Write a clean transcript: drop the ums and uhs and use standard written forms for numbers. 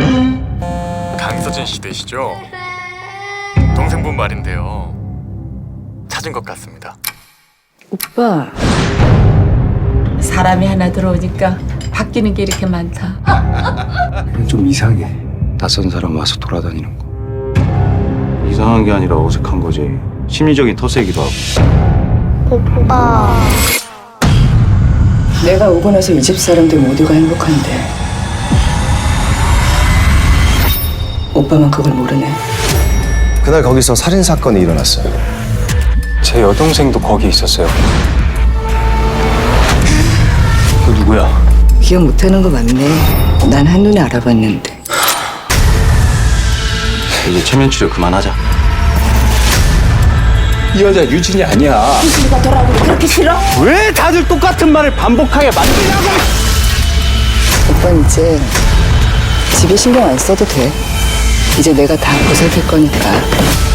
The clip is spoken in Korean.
강서진 씨 되시죠? 동생분 말인데요. 찾은 것 같습니다. 오빠, 사람이 하나 들어오니까 바뀌는 게 이렇게 많다. 좀 이상해. 낯선 사람 와서 돌아다니는 거. 이상한 게 아니라 어색한 거지. 심리적인 터세이기도 하고. 오빠. 내가 오고 나서 이 집 사람들 모두가 행복한데 오빠만 그걸 모르네. 그날 거기서 살인 사건이 일어났어요. 제 여동생도 거기 있었어요. 그 누구야? 기억 못하는 거 맞네. 난 한눈에 알아봤는데. 이제 체면 치료 그만하자. 이 여자 유진이 아니야. 유진이가 돌아오는 게 그렇게 싫어? 왜 다들 똑같은 말을 반복하게 만드냐고! 오빠는 이제 집에 신경 안 써도 돼. 이제 내가 다 보살필 거니까.